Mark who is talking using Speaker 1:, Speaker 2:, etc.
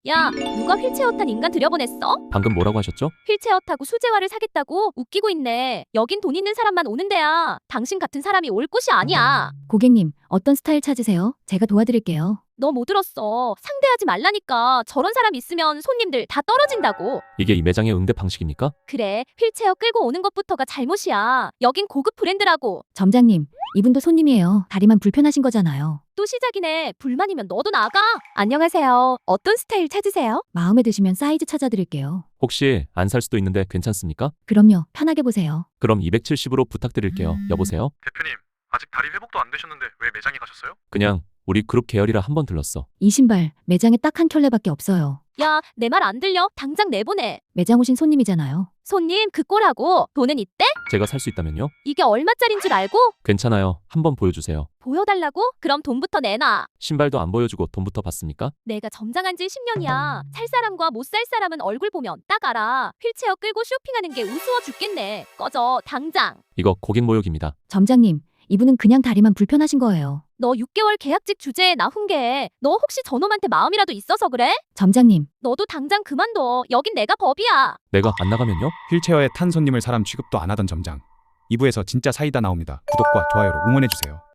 Speaker 1: 야, 누가 휠체어 탄 인간 들여보냈어?
Speaker 2: 방금 뭐라고 하셨죠?
Speaker 1: 휠체어 타고 수제화를 사겠다고 웃기고 있네. 여긴 돈 있는 사람만 오는 데야. 당신 같은 사람이 올 곳이 아니야.
Speaker 3: 고객님, 어떤 스타일 찾으세요? 제가 도와드릴게요.
Speaker 1: 너 뭐 들었어? 상대하지 말라니까. 저런 사람 있으면 손님들 다 떨어진다고.
Speaker 2: 이게 이 매장의 응대 방식입니까?
Speaker 1: 그래, 휠체어 끌고 오는 것부터가 잘못이야. 여긴 고급 브랜드라고.
Speaker 3: 점장님, 이분도 손님이에요. 다리만 불편하신 거잖아요.
Speaker 1: 또 시작이네. 불만이면 너도 나가. 안녕하세요. 어떤 스타일 찾으세요?
Speaker 3: 마음에 드시면 사이즈 찾아드릴게요.
Speaker 2: 혹시 안 살 수도 있는데 괜찮습니까?
Speaker 3: 그럼요, 편하게 보세요.
Speaker 2: 그럼 270으로 부탁드릴게요. 여보세요?
Speaker 4: 대표님, 아직 다리 회복도 안 되셨는데 왜 매장에 가셨어요?
Speaker 2: 그냥 우리 그룹 계열이라 한번 들렀어.
Speaker 3: 이 신발, 매장에 딱 한 켤레밖에 없어요.
Speaker 1: 야, 내 말 안 들려? 당장 내보내.
Speaker 3: 매장 오신 손님이잖아요.
Speaker 1: 손님, 그 꼴하고 돈은 있대?
Speaker 2: 제가 살 수 있다면요?
Speaker 1: 이게 얼마짜린 줄 알고?
Speaker 2: 괜찮아요. 한번 보여주세요.
Speaker 1: 보여달라고? 그럼 돈부터 내놔.
Speaker 2: 신발도 안 보여주고 돈부터 받습니까?
Speaker 1: 내가 점장한 지 10년이야. 살 사람과 못 살 사람은 얼굴 보면 딱 알아. 휠체어 끌고 쇼핑하는 게 우스워 죽겠네. 꺼져, 당장.
Speaker 2: 이거 고객 모욕입니다.
Speaker 3: 점장님, 이분은 그냥 다리만 불편하신 거예요.
Speaker 1: 너 6개월 계약직 주제에 나 훈계해. 너 혹시 저놈한테 마음이라도 있어서 그래?
Speaker 3: 점장님,
Speaker 1: 너도 당장 그만둬. 여긴 내가 법이야.
Speaker 2: 내가 안 나가면요?
Speaker 4: 휠체어에 탄 손님을 사람 취급도 안 하던 점장. 2부에서 진짜 사이다 나옵니다. 구독과 좋아요로 응원해주세요.